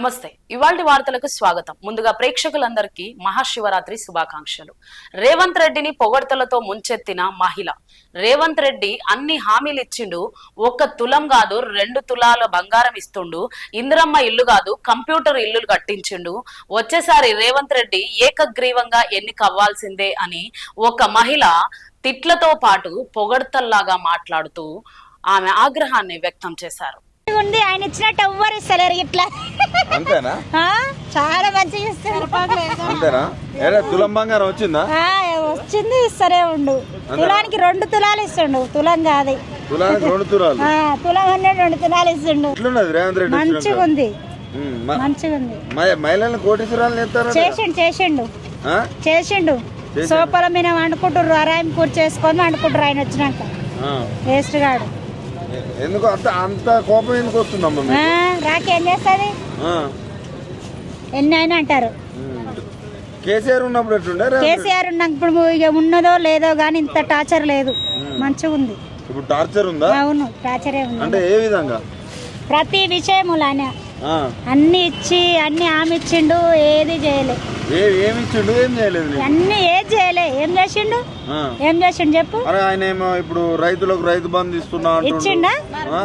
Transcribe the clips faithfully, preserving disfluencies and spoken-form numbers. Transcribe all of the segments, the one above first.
నమస్తే. ఇవాల్టి వార్తలకు స్వాగతం. ముందుగా ప్రేక్షకులందరికీ మహాశివరాత్రి శుభాకాంక్షలు. రేవంత్ రెడ్డిని పొగడ్తలతో ముంచెత్తిన మహిళ. రేవంత్ రెడ్డి అన్ని హామీలు ఇచ్చిండు. ఒక్క తులం కాదు రెండు తులాల బంగారం ఇస్తుండు. ఇందిరమ్మ ఇల్లు కాదు కంప్యూటర్ ఇల్లు కట్టించిండు. వచ్చేసారి రేవంత్ రెడ్డి ఏకగ్రీవంగా ఎన్నిక అవ్వాల్సిందే అని ఒక మహిళ తిట్లతో పాటు పొగడ్తల్లాగా మాట్లాడుతూ ఆమె ఆగ్రహాన్ని వ్యక్తం చేశారు. ఉంది ఆయన ఇచ్చినట్టు ఎవ్వరు ఇస్తలేరు ఇట్లా. అంతేనా? చాలా మంచిగా ఇస్తారు. అంతేనా? ఏడా తులం బంగారం వచ్చిందా? వచ్చింది, ఇస్తరే ఉండు. తులానికి రెండు తులాలు ఇస్తుండు, తులం కాదు. తులానికి రెండు తులాలు తులం అనే రెండు తులాలు ఇస్తుండు. రేవంత్ రెడ్డి మంచిగా ఉంది, మంచిగా ఉంది. మహిళలను కోటీశ్వరాలు చేసిండు చేసిండు చేసిండు సోపల మీద వండుకుంటారు, అరాయం కూర్చు చేసుకొని వండుకుంటారు ఆయన వచ్చినాక. వేస్ట్ గాడు. ఎందుకు అంత అంత కోపం ఎందుకు వస్తుందమ్మా? రాకేం చేస్తుంది, ఎన్ని అయినా అంటారు. కేసీఆర్ ఉన్నప్పుడు ఎట్లుండే? కేసీఆర్ ఉన్నప్పుడు ఇక ఉన్నదో లేదో గానీ ఇంత టార్చర్ లేదు, మంచిగా ఉంది. ఇప్పుడు టార్చర్ ఉందా? అవును, టార్చరే ఉంది. అంటే ఏ విధంగా? ప్రతి విషయములు ఆయన అన్ని ఇచ్చి అన్ని ఆమె ఇచ్చిండు, ఏది చేయలే. ఏమి ఇచ్చిండు? ఏం చేయలేదు. అన్ని ఏది చేయలే. ఏం చేసిండు ఏం చేసిండు చెప్పు. ఆయన ఏమో ఇప్పుడు రైతులకు రైతు బంధు ఇస్తున్నా ఇచ్చిండా?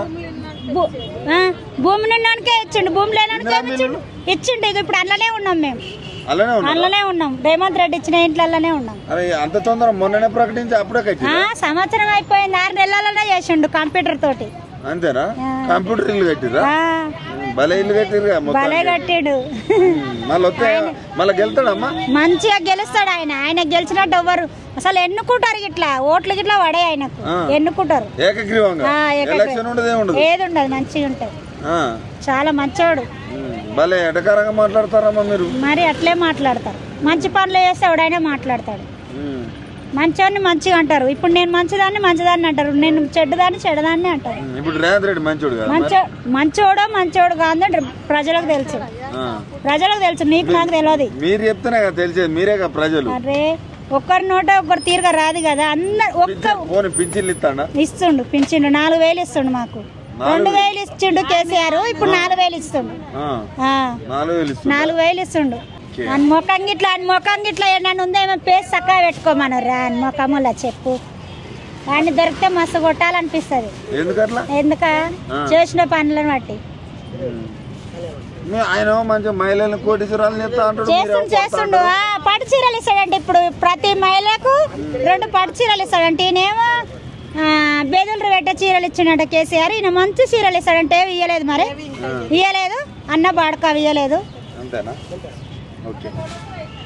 భూమి నిన్నకే ఇచ్చిండు, భూమి లేనానికే ఇచ్చిండు ఇచ్చిండు ఇక ఇప్పుడు అందులోనే ఉన్నాం మేము, అందులోనే ఉన్నాం. రేవంత్ రెడ్డి ఇచ్చిన ఇంట్లోనే ఉన్నాం. అంత తొందర మొన్ననే ప్రకటించి అప్పుడే సంవత్సరం అయిపోయింది, ఆరు నెలలనే చేసిండు కంప్యూటర్ తోటి. అంతేనా? కంప్యూటర్ ఇల్లు కట్టిరా? భలే ఇల్లు కట్టిరు, భలే కట్టిడు. మళ్ళీ గెలుతాడమ్మా? మంచిగా గెలుస్తాడు ఆయన. ఆయన గెలిచినట్టు ఎవ్వరు అసలు ఎన్నుకుంటారు, ఇట్లా ఓట్లు గిట్లా పడే ఆయనకు ఎన్నుకుంటారు. ఏది ఉండదు, మంచిగా ఉంటది. చాలా మంచోడు. భలే ఎటకారంగా మాట్లాడతారమ్మా మీరు. మరి అట్లే మాట్లాడతారు. మంచి పనులు చేస్తే ఎవడైనా మాట్లాడతాడు. మంచోడిని మంచిగా అంటారు. ఇప్పుడు నేను మంచిదాన్ని మంచిదాన్ని అంటారు, నేను చెడ్డదాన్ని చెడ్డదాన్ని అంటారు. ఇప్పుడు రేవంత్ రెడ్డి మంచోడు మంచో మంచోడో మంచోడు కాదని ప్రజలకు తెలుసు, ప్రజలకు తెలుసు, నీకు నాకు తెలియదు. మీరు చెప్తేనే కదా తెలిసేది, మీరే కదా ప్రజలు. అరే ఒక్కరి నోట ఒక్కరు తీరుగా రాదు కదా. అందరు ఒక్క పింఛన్లు ఇస్తాడా? ఇస్తుండు, పింఛన్లు నాలుగు వేలు ఇస్తుండు. మాకు రెండు వేలు ఇచ్చిండు కేసీఆర్, ఇప్పుడు నాలుగు వేలు ఇస్తుండు. నాలుగు వేలు ఇస్తుండు. అని మొఖం గిట్లా అని మొఖం గిట్లా ఏమన్నా ఉందేమో పేసి చక్కగా పెట్టుకోమను రా అని మొఖములా చెప్పు. వాడిని దొరికితే మస్తు కొట్టాలనిపిస్తుంది. ఎందుక చేసిన పనులను బట్టి. చేస్తుండు చేస్తుండు పట్టు చీరలు ఇస్తాడంటే ఇప్పుడు ప్రతి మహిళకు రెండు పట్టు చీరలు ఇస్తాడంటే. ఈయనేమో బేదులు పెట్టే చీరలు ఇచ్చిండట కేసీఆర్. ఈయన మంచి చీరలు ఇస్తాడంటే ఇయ్యలేదు, మరి ఇయ్యలేదు. అన్న బాడక ఇయ్యలేదు. ఓకే.